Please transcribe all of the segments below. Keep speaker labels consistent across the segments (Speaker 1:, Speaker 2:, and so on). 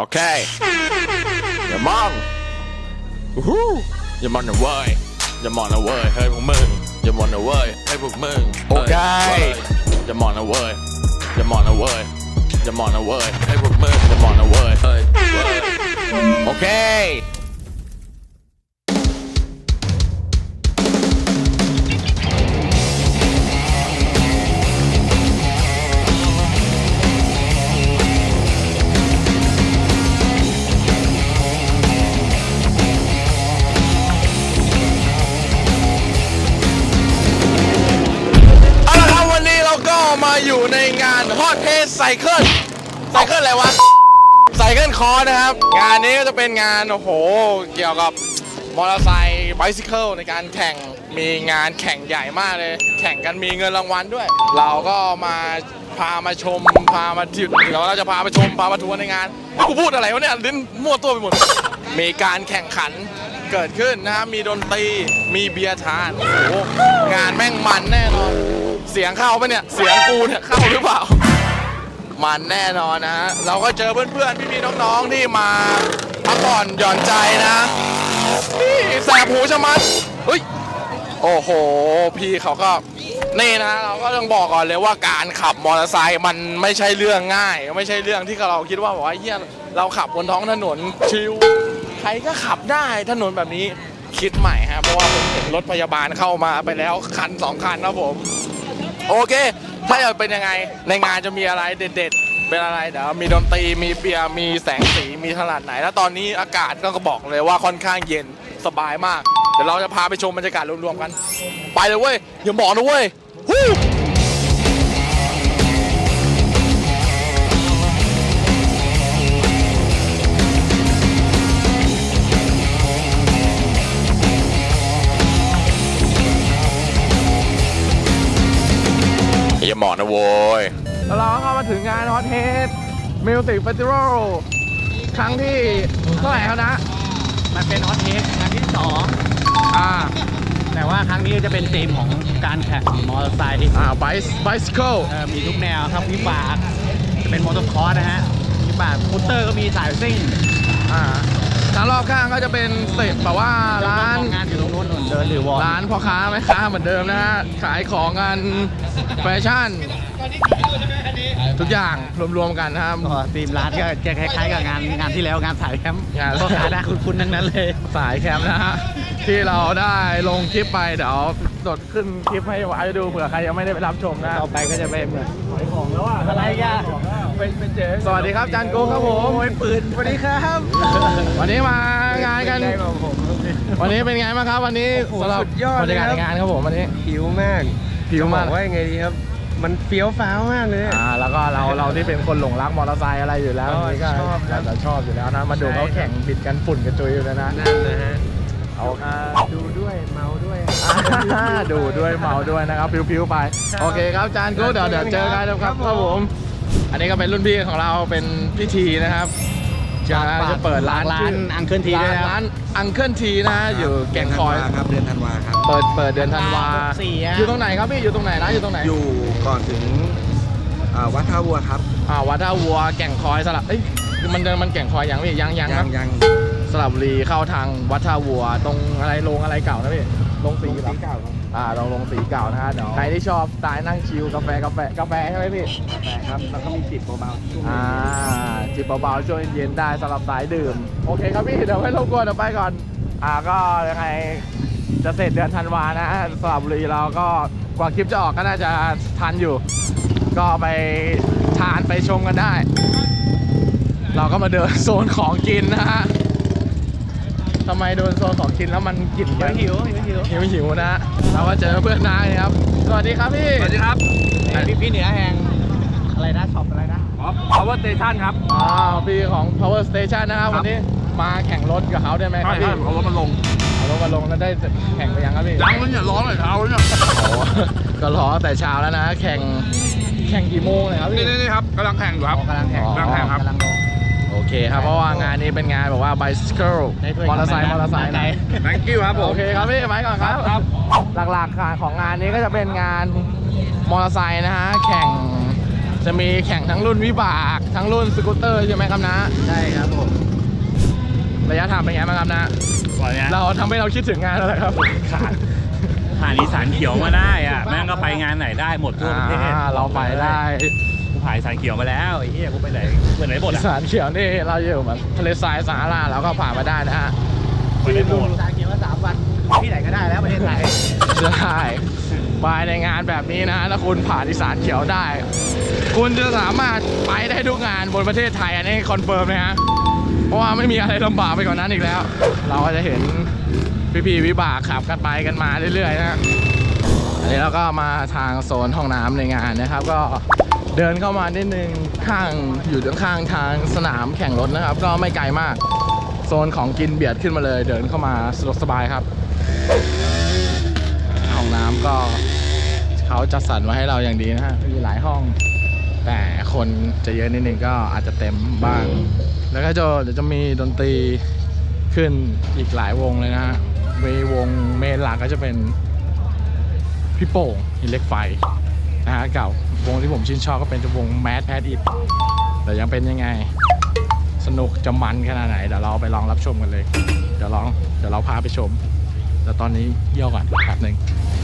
Speaker 1: โอเคอย่ามองอย่ามองนะเว้ยอย่ามองนะเว้ยเฮ้ยพวกมึงอย่ามองนะเว้ยเฮ้ยพวกมึงโอเคอย่ามองนะเว้ยอย่ามองนะเว้ยอย่ามองนะเว้ยเฮ้ยพวกมึงอย่ามองนะเว้ยเฮ้ยโอเคมาอยู่ในงานฮอตเทสไซเคิลอะไรวะไซเคิลคอร์นะครับงานนี้ก็จะเป็นงานโอ้โหเกี่ยวกับมอเตอร์ไซค์ไบซิเคิลในการแข่งมีงานแข่งใหญ่มากเลยแข่งกันมีเงินรางวัลด้วยเราก็พามาชมพามาที่เราจะพามาชมพามาทัวร์ในงานกูพูดอะไรวะเนี่ยลิ้นมั่วตัวไปหมดมีการแข่งขันเกิดขึ้นนะครับมีดนตรีมีเบียร์ทานโอ้โหงานแม่งมันแน่นอนเสียงเข้าปะเนี่ยเสียงกูเนี่ยเข้าหรือเปล่ามันแน่นอนนะฮะเราก็เจอเพื่อนๆพี่ๆน้องๆที่มาพักผ่อนหย่อนใจนะนี่แสบหูชะมัดเฮ้ยโอ้โหพี่เขาก็นี่นะเราก็ต้องบอกก่อนเลยว่าการขับมอเตอร์ไซค์มันไม่ใช่เรื่องง่ายไม่ใช่เรื่องที่เราคิดว่าบอกว่าเฮียเราขับบนท้องถนนชิลใครก็ขับได้ถนนแบบนี้คิดใหม่ฮะเพราะว่าผมเห็นรถพยาบาลเข้ามาไปแล้วคัน2 คันนะผมโอเคถ้าจะเป็นยังไงในงานจะมีอะไรเด็ดๆเป็นอะไรเดี๋ยวมีดนตรีมีเบียร์มีแสงสีมีขนาดไหนแล้วตอนนี้อากาศก็บอกเลยว่าค่อนข้างเย็นสบายมากเดี๋ยวเราจะพาไปชมบรรยากาศรวมๆกันไปเลยเว้ยอย่าบอกนะเว้ยอย่าหมอนะโว้ยแล้วเราก็มาถึงงานฮอตเทสมิวสิกเฟสติวัลครั้งที่เท่าไหร่ครับนะ
Speaker 2: มันเป็นฮอตเทสครั้งที่2แต่ว่าครั้งนี้จะเป็นธีมของการแข่งมอเตอร์ไซค์
Speaker 1: ไบซิเคิล
Speaker 2: มีทุกแนวครับวิบากจะเป็นมอเตอร์คอร์สนะฮะวิบากสกูตเตอร์ก็มีสายซิ่ง
Speaker 1: ทางรอบข้างก็จะเป็นเสร็จแบบว่าร้าน
Speaker 2: งานอยู่ตรงนู้นเดินหรือวอล
Speaker 1: ร้านพ่อค้าแม่ค้าเหมือนเดิมนะฮะขายของกันแฟชั่นทุกอย่างรวมๆกันนะครับ
Speaker 2: ธีมร้านก็จะคล้ายๆกับงานที่แล้วงานสายแคมป์พ่อค้าได้คุ้นๆทั้งนั้นเลย
Speaker 1: สายแคมป์นะฮะที่เราได้ลงคลิปไปเดี๋ยวสดขึ้นคลิปให้ไว้ดูเผื่อใครยังไม่ได้ไปรับชมนะ
Speaker 2: ต่อไปก็จะเป็นเหมือนขายของแล้วอะไรกัน
Speaker 1: เป็นเจ๊สวัสดีครับจันโก้ครับผม
Speaker 2: ปืนสวัสดีครับ
Speaker 1: วันนี้มางานกันวันนี้เป็นไงบ้างครับวันนี้
Speaker 2: สำหรับบรรยากาศในงานครับผมวันนี้
Speaker 1: ผิวมาก
Speaker 2: ว่ายังไงดีครับมันเฟี้ยวฟ้าวมากเลย
Speaker 1: แล้วก็เราที่เป็นคนหลงรักมอเตอร์ไซค์อะไรอยู่แล้วนี่ก็ชอบอยู่แล้วนะมาดูเขาแข่งบิดกันฝุ่นกันจุยอยู่แล้วนะ
Speaker 2: นั่นนะฮะ
Speaker 1: เอา
Speaker 2: ดูด้วยเมาด้วย
Speaker 1: ดูด้วยเมาด้วยนะครับพิวๆไปโอเคครับจานกูเดี๋ยวเจอกันครับผมอันนี้ก็เป็นรุ่นพี่ของเราเป็นพิธีนะครับจะเปิดร้าน
Speaker 2: อังเคิลทีด้วย
Speaker 1: ร้านอังเคิลทีนะอยู่แก่งคอย
Speaker 3: ครับเดือนธันวาครับ
Speaker 1: เปิดเดือนธันวาอยู่ตรงไหนครับพี่อยู่ตรงไหนร้านอยู่ตรงไหน
Speaker 3: อยู่ก่อนถึงวัดท่าวัวครับ
Speaker 1: วัดท่าวัวแก่งคอยสลับมันแก่งคอยยังพี่ยังสระบุรีเข้าทางวัดท่าวัวตรงอะไรโรงอะไรเก่านะพี่โรงสีเก่าโรงสีเก่านะฮะใครที่ชอบสไตล์นั่งชิลกาแฟใช่ไหมพี่
Speaker 3: กาแฟครับแล้วก็มีจิบเบา
Speaker 1: ๆจิบเบาๆช่วงเย็นได้สำหรับสายดื่มโอเคครับพี่เดี๋ยวไม่รบกวนเดี๋ยวไปก่อนก็ยังไงจะเสร็จเดือนธันวานะสระบุรีเราก็กว่าคลิปจะออกก็น่าจะทันอยู่ก็ไปทานไปชมกันได้เราก็มาเดินโซนของกินนะฮะทำไมโดนโซนของกินแล้วมันกลิ่นหิวนะเราก็เจอเพื่อนนายครับสวัสดีครับพี่
Speaker 2: สวัสดีครับพี่เหนือแห่งอะไรนะช็อปอะไรนะ
Speaker 3: Power Station ครับ
Speaker 1: พี่ของ Power Station นะครับวันนี้มาแข่งรถกับเขาได้ไหมครับพี่
Speaker 3: เอารถมาลง
Speaker 1: แล้วได้แข่งไปยังครับพี่
Speaker 3: ยังเลยเนี่ยร้อนเลยเช้าเลยเนี่ย
Speaker 1: ก็รอแต่เช้าแล้วนะแข่งกี่โมงเลยครับพี่
Speaker 3: นี่ครับกำลังแข่งอยู่ครับ
Speaker 2: กำลังแข่งครับ
Speaker 1: โอเคครับเพราะว่างานนี้เป็นงานแบบว่า bicycle มอเตอร์ไซค์
Speaker 2: ไหน
Speaker 3: Thank you ครับผม
Speaker 1: โอเคครับพี่ไปก่อนครับหลักๆของงานนี้ก็จะเป็นงานมอเตอร์ไซค์นะฮะแข่งจะมีแข่งทั้งรุ่นวิบากทั้งรุ่นสกูตเตอร์ใช่ไหมครับนะ
Speaker 2: ใช่ครับผม
Speaker 1: ระยะทางเป็นไงบ้างครับนะ
Speaker 2: ก่อนเนี้ย
Speaker 1: เราทำให้เราคิดถึงงานแล้วแหละครับ
Speaker 2: ผ่านอีสานเขียวมาได้อ่ะแม่งก็ไปงานไหนได้หมดทั่วประเทศ
Speaker 1: เราไปได้
Speaker 2: กูผ่านอีสานเขียวมาแล้วไอ้เหี้ยกูไปไหนหมด
Speaker 1: อี
Speaker 2: อ่ะ
Speaker 1: สานเขียวนี่เราอยู่แบบทะเลทรายสาราเราก็ผ่านมาได้นะฮะ
Speaker 2: ไปได้หมด
Speaker 3: สายเขียวว่า3 วันที่ไหนก็ได้แล้วประเทศไทย
Speaker 1: ใช่ไปในงานแบบนี้นะถ้าคุณผ่านอีสานเขียวได้ คุณจะสามารถไปได้ทุกงานบนประเทศไทยอันนี้คอนเฟิร์มนะฮะเพราะว่าไม่มีอะไรลำบากไปกว่านั้นอีกแล้ว เราก็จะเห็นพี่ๆวิบากขับกันไปกันมาเรื่อยๆนะอันนี้เราก็มาทางโซนห้องน้ำในงานนะครับ ก็เดินเข้ามานิดนึงอยู่ข้างทางสนามแข่งรถนะครับ ก็ไม่ไกลมากโซนของกินเบียดขึ้นมาเลย เดินเข้ามาสะดวกสบายครับ ห้องน้ำก็เขาจัดสรรไว้ให้เราอย่างดีนะฮะมีหลายห้อง แต่คนจะเยอะนิดนึงก็อาจจะเต็มบ้าง แล้วก็เดี๋ยวจะมีดนตรีขึ้นอีกหลายวงเลยนะฮะวงเมนหลักก็จะเป็นพี่โป่งหินเหล็กไฟนะฮะเก่าวงที่ผมชื่นชอบก็เป็นวงแมสแพดอิดแต่ยังเป็นยังไงสนุกจะมันขนาดไหนเดี๋ยวเราไปลองรับชมกันเลย เดี๋ยวเราพาไปชม แต่ตอนนี้เยี่ยวก่อนแป๊บหนึ่ง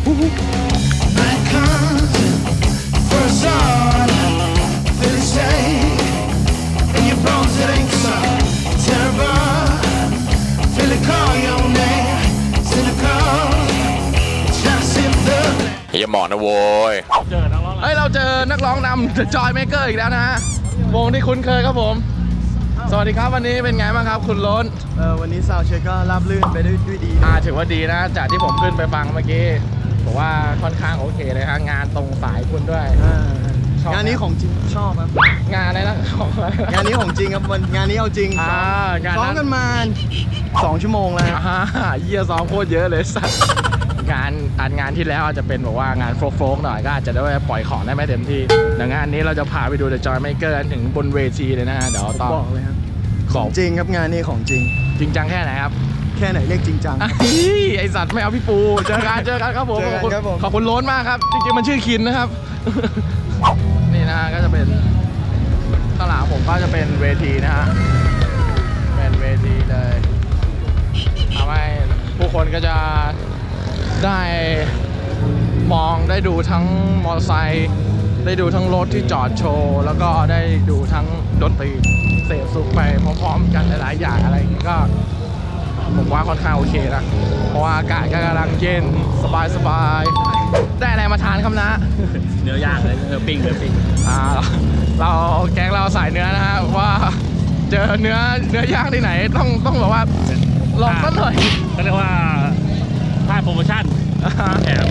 Speaker 1: อย่าหมอนนะโว้ย
Speaker 2: เจอนักร้อง
Speaker 1: เฮ้ยเราเจอนักร้องนำ The Joy Maker อีกแล้วนะฮะ วงที่คุ้นเคยครับผม สวัสดีครับวันนี้เป็นไงบ้างครับคุณล้น
Speaker 3: วันนี้ซาวด์เช็คก็ราบรื่นไปด้วยดี
Speaker 1: ถือว่าดีนะ จากที่ผมขึ้นไปฟังเมื่อกี้บอกว่าค่อนข้างโอเคเลยฮะงานตรงสายคุณด้วย ชอบ
Speaker 3: งานนี้ของจริงชอบครับ
Speaker 1: งานอะไรนะของอะไร
Speaker 3: งานนี้ของจริงครับงานนี้เอาจริง
Speaker 1: งาน
Speaker 3: ซ้อม
Speaker 1: นั้น
Speaker 3: กันมา2 ชั่วโมงแล้ว
Speaker 1: เยี่ยซ้อมโคตรเยอะเลยสัตว์งานที่แล้วอาจจะเป็นแบบว่างานโฟล์กหน่อยก็อาจจะได้ปล่อยของได้ไม่เต็มที่แต่งานนี้เราจะพาไปดู The Joy Maker กันถึงบนเวทีเลยนะฮะเดี๋ยวต้อง
Speaker 3: บอกเลยครับ
Speaker 1: ข
Speaker 3: ข
Speaker 1: อ
Speaker 3: องจริงครับงานนี้ของจริง
Speaker 1: จริงจังแค่ไหนครับ
Speaker 3: แค่ไหนเรียกจริงจัง
Speaker 1: ไอสัตว์ไม่เอาพี่ปูเจอกันครับผม
Speaker 3: เจอกันครับผม
Speaker 1: ขอบคุณโล้นมากครับจริงๆมันชื่อคินนะครับ นี่นะฮะก็จะเป็นข้างหลังผมก็จะเป็นเวทีนะฮะเป็นเวทีเลยทำให้ผู้คนก็จะได้มองได้ดูทั้งมอเตอร์ไซค์ได้ดูทั้งรถที่จอดโชว์แล้วก็ได้ดูทั้งดนตรีเสพสุขไปพร้อมๆกันหลายๆอย่างอะไรอย่างนี้ก็ผมว่าค่อนข้างโอเคนะเพราะว่าอากาศก็กำลังเย็นสบายๆได้อะไรมาทานครับนะ
Speaker 2: เนื้อย่างเลยเนื้อปิ้ง
Speaker 1: เราแก๊งเราสายเนื้อนะฮะว่าเจอเนื้อย่างที่ไหนต้องแบบว่าลองสักหน่อย
Speaker 2: ก็เรียกว่าพลาดโปรโมชั่นแถม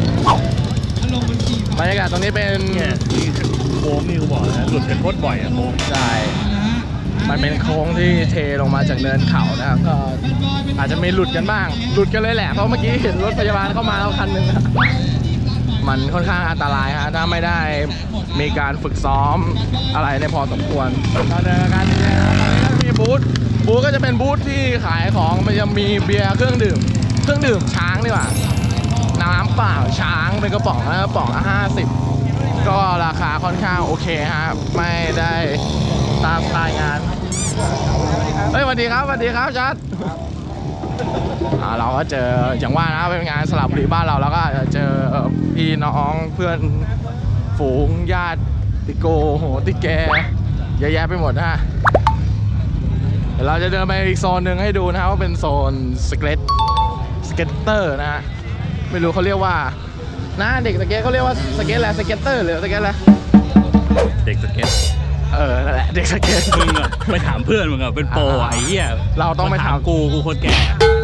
Speaker 1: บรรยากาศตรงนี้เป็น
Speaker 2: เนี่ยนี่โค้งนี่กูบอกนะหลุดกันโคตรบ่อยอะโค้ง
Speaker 1: ใช่มันเป็นโค้งที่เทลงมาจากเนินเขานะครับก็อาจจะมีหลุดกันบ้างหลุดกันเลยแหละเพราะเมื่อกี้เห็นรถพยาบาลเข้ามาแล้วคันหนึ่งนะมันค่อนข้างอันตรายฮะถ้าไม่ได้มีการฝึกซ้อมอะไรในพอสมควรเราเดินกันนะครับตอนนี้ก็มีบูธก็จะเป็นบูธที่ขายของมันจะมีเบียร์เครื่องดื่มช้างดีกว่าน้ำเปล่าช้างเป็นกระป๋องนะกระป๋องละ50ก็ราคาค่อนข้างโอเคฮะไม่ได้ตามสไตล์งานเฮ้ยสวัสดีครับชัดเราก็เจออย่างว่านะเป็นงานสลับบุรีบ้านเราแล้วก็เจอพี่น้องเพื่อนฝูงญาติติโกโหติแกเยอะแยะไปหมดนะฮะเดี๋ยวเราจะเดินไปอีกโซนหนึ่งให้ดูนะครับว่าเป็นโซนสเก็ตเตอร์นะฮะไม่รู้เขาเรียกว่านะเด็กสเก็ตเขาเรียกว่าสเก็ตอะไรสเก็ตเตอร์หรือสเก็ตอะไร
Speaker 2: เด็กสเก็ต
Speaker 1: นั่นแหละเด็กสเก็ต
Speaker 2: มึงอะไปถามเพื่อนมึงอะเป็นโปรอะไอ้เหี้ย
Speaker 1: เราต้องไปถาม
Speaker 2: กูคนแก่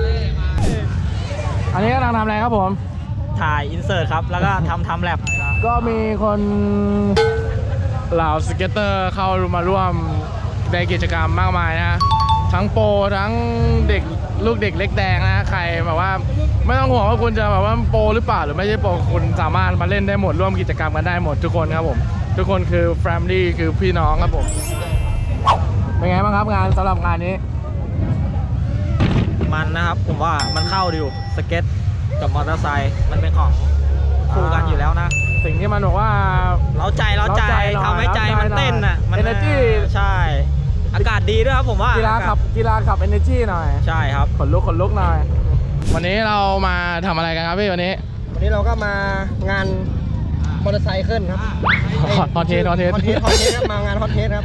Speaker 1: อันนี้กำลังทำอะไรครับผม
Speaker 4: ถ่ายอินเสิร์ตครับ แล้วก็ทำแลบ
Speaker 1: ก็มีคนเหล่าสเก็ตเตอร์เข้ามาร่วมในกิจกรรมมากมายนะทั้งโปรทั้งเด็กลูกเด็กเล็กแดงนะใครแบบว่าไม่ต้องห่วงว่าคุณจะแบบว่าโปรหรือเปล่าหรือไม่ใช่โปรคุณสามารถมาเล่นได้หมดร่วมกิจกรรมกันได้หมดทุกคนครับผมทุกคนคือแฟมิลี่คือพี่น้องครับผมเป็นไงบ้างครับงานสำหรับงานนี้
Speaker 4: มันนะครับ ผมว่ามันเข้าดีอยู่สเก็ตกับมอเตอร์ไซค์มันเป็นของคู่กันอยู่แล้วนะ
Speaker 1: สิ่งที่มันบอกว่า
Speaker 4: เร้าใจ
Speaker 1: เร้าใจหน่อย
Speaker 4: ทำให้ใจมันเต้นอ่ะ มัน
Speaker 1: Energy
Speaker 4: ใช่ อากาศดีด้วยครับผมว่า
Speaker 1: กีฬาขับ energy หน่อย
Speaker 4: ใช่ครับ
Speaker 1: ขนลุกหน่อย วันนี้เรามาทำอะไรกันครับพี่วันนี้
Speaker 3: วันนี้เราก็มางานมอเตอร์ไซค์ขึ้นครับ
Speaker 1: ฮอตเทส
Speaker 3: ครับมางานฮอตเทสครับ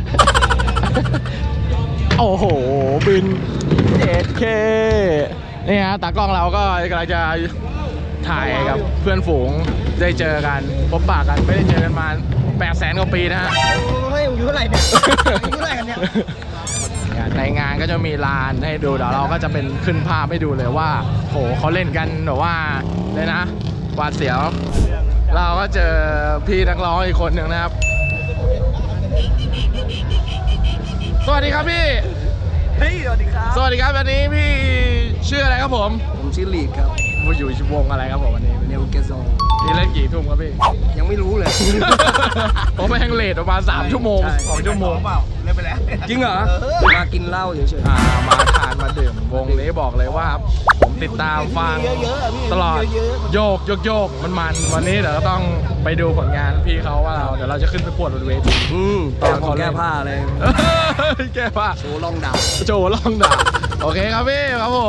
Speaker 1: โอ้โห บิน 8K นี่ฮะตากล้องเราก็กำลังจะถ่ายกับเพื่อนฝูงได้เจอกันพบปะกันไม่ได้เจอกันมา800,000 กว่าปีนะฮะ
Speaker 3: เฮ้ยอยู่เท่าไหร่เนี่ยอยู่เท่าไหร่กันเนี่ย
Speaker 1: ในงานก็จะมีลานให้ดูเดี๋ยวเราก็จะเป็นขึ้นภาพให้ดูเลยว่าโหเขาเล่นกันแบบว่าเลยนะหวาดเสียว เราก็เจอพี่นักร้องอีกคนหนึ่งนะครับ สวัสดีครับพี่
Speaker 3: เฮ้ยสวัสดีครับ
Speaker 1: สวัสดีครับวันนี้พี่ชื่ออะไรครับผม
Speaker 3: ผมชื่อลีดครับ
Speaker 1: อยู่วงอะไรครับผมวันนี้
Speaker 3: เนวเกโซ
Speaker 1: พี่เล่นกี่ทุ่มครับพี่
Speaker 3: ยังไม่รู้เลย
Speaker 1: ผมไปแฮงเลทประมาณ3 ชั่วโมง
Speaker 3: ใช่
Speaker 1: 2 ชั่วโมง
Speaker 3: เล่นไปแล้วจริงเหรอมากินเหล้าเฉย
Speaker 1: มาทานมาดื่มวงนี้บอกเลยว่าผมติดตามฟังตลอดโยกมันวันนี้เดี๋ยวเราต้องไปดูผลงานพี่เขาว่าเดี๋ยวเราจะขึ้นไปปวดบนเวที
Speaker 3: ตอนเขาแก้ผ้าเลย
Speaker 1: แก้ผ้า
Speaker 3: โชว์ลองดาบ
Speaker 1: โจลองด่าโอเคครับพี่ครับผม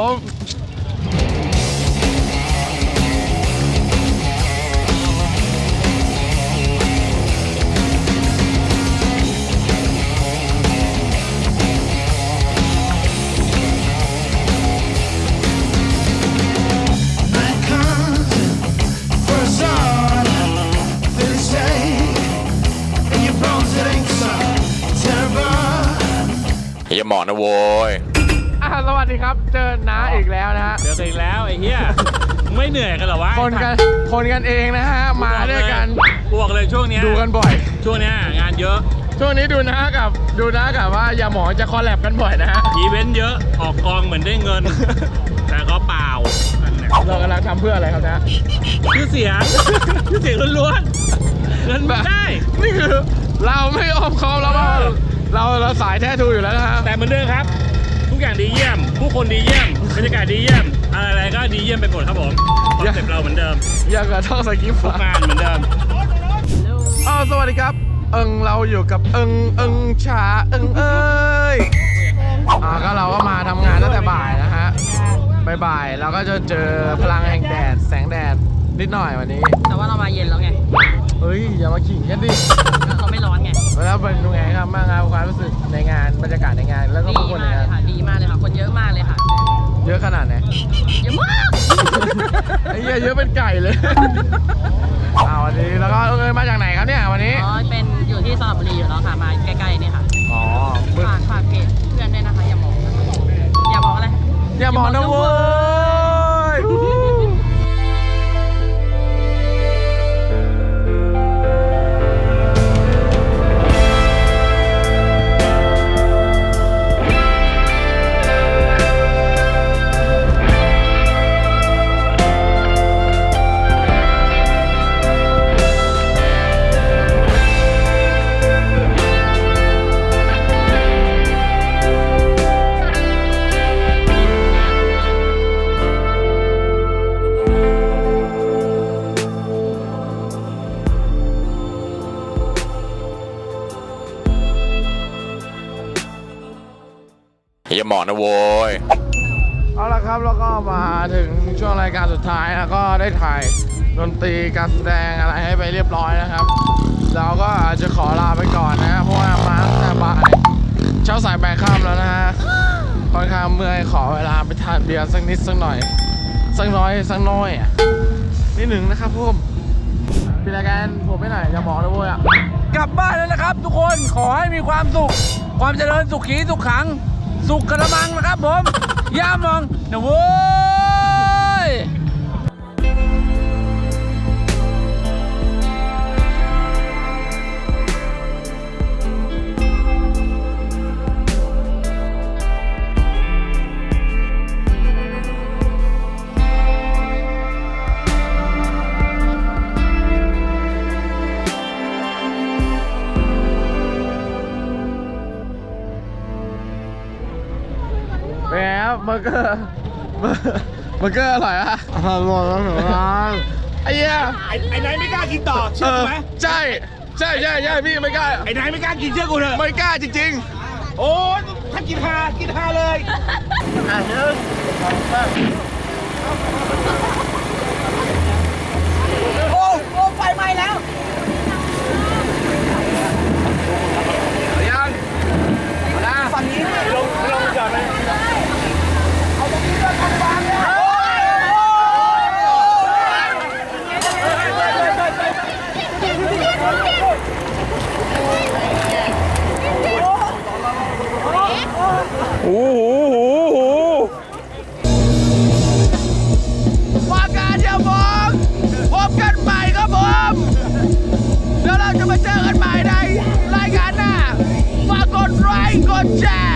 Speaker 5: อย่าหมอนะโว้ย
Speaker 1: สวัสดีครับเจอน้าอีกแล้วนะฮะ
Speaker 2: เจอกันอีกแล้วไอ้เหี้ยมึงไม่เหนื่อยกันเหรอวะ
Speaker 1: คนกันเองนะฮะมาด้วยกัน
Speaker 2: กูบอกเลยช่วงเนี้ย
Speaker 1: ดูกันบ่อย
Speaker 2: ช่วงเนี้ยงานเยอะ
Speaker 1: ช่วงนี้ดูนะกับว่าอย่าหมอจะคอลแลบกันบ่อยนะฮะ
Speaker 2: อีเวนต์เยอะออกกองเหมือนได้เงิน แต่ก็เปล่านั่นแหละ
Speaker 1: เรากำลังทำเพื่ออะไรครับนะ
Speaker 2: ชื่อเสียง ชื่อเสียงล้วนๆเงินไม่ได้
Speaker 1: นี่คือเราไม่อ้อมค้อมแล้วว่าเราสายแท้ทูอยู่แล้วนะฮะ
Speaker 2: แต่เหมือนเดิมครับ ทุกอย่างดีเยี่ยม ผู้คนดีเยี่ยมบรรยากาศดีเยี่ยม อะไรก็ดีเยี่ยมไปหมดครับผมคอนเซ็ปต์เราเหมือนเดิม
Speaker 1: อยากกระท่องสกิปต์
Speaker 2: ทุกงานเหมือนเดิม
Speaker 1: สวัสดีครับเราอยู่กับชาเอ้ยก็เราก็มาทำงานตั้งแต่บ่ายนะฮะบ่ายเราก็จะเจอพลังแห่งแดดแสงแดดนิดหน่อยวันนี้
Speaker 4: แต่ว่าเรามาเย็นแล้วไง
Speaker 1: เฮ้ยอย่ามาขิงกันดิ
Speaker 4: เราไม่ร้อนไง
Speaker 1: แล้วเป็นยังไงครับบ้างครับความรู้สึกในงานบรรยากาศในงานแล้วก็
Speaker 4: ดี
Speaker 1: ผู้คนใน
Speaker 4: มากเล
Speaker 1: งาย น
Speaker 4: ค่ะ ดีมากเลยค่ะ คนเยอะมากเลยค่ะ
Speaker 1: เยอะขนาดไหน
Speaker 4: เยอะมาก
Speaker 1: ไอ้เหี้ยเยอะเป็นไก่เลย วันนี้แล้วก็มาจากไหนครับเนี่ยวันนี้
Speaker 4: อ๋อ เป็นอยู่ที่สระบุรีอยู่แล้วค่ะ มาใกล้ๆนี่ค่ะ
Speaker 1: อ๋อ
Speaker 4: ฝากเพจเพื่อนด้วยนะคะ อย่ามอง อย่ามองอะไร
Speaker 1: อย่าบอกนะเว้ย
Speaker 5: อย่าหมอนะโว้ย
Speaker 1: เอาละครับแล้วก็มาถึงช่วงรายการสุดท้ายแล้วก็ได้ถ่ายดนตรีการแสดงอะไรให้ไปเรียบร้อยนะครับเราก็อาจจะขอลาไปก่อนนะเพราะว่ามาตั้งแต่บ่ายเช้าสายแปดค่ำแล้วนะฮะค่อนข้างเมื่อยขอเวลาไปทานเบียร์สักนิดสักหน่อยสักน้อยอ่ะนิดหนึ่งนะครับผมเป็นรายการผมไม่หน่อยจะบอกนะเว้ยกลับบ้านแล้วนะครับ ทุกคนขอให้มีความสุขความเจริญสุขีสุขขังสุขกระมังนะครับผมย่ามองนะเว้ย เป็นไงครับเบอร์เกอร์อร่อยอะอร่อยมากไอ้เหี้ย
Speaker 2: ไอ้นายไม่กล้ากินต่อเชื่อกูไหม
Speaker 1: ใช่พี่ไม่กล้า
Speaker 2: ไอ้นายไม่กล้ากินเชื่อกูเถอะ
Speaker 1: ไม่กล้าจริง
Speaker 2: โอ้ยถ้ากินฮาเลย
Speaker 4: โอ้โอ้ไฟไหม้แล้ว
Speaker 1: ๆยังนะ
Speaker 4: ฝั่งนี้
Speaker 2: ลงจอดไหม
Speaker 1: ว่าการอย่ามองพบกันใหม่ครับผมแล้วเราจะมาเจอกันใหม่ในรายการหน้าฝากกดไลค์กดแชร์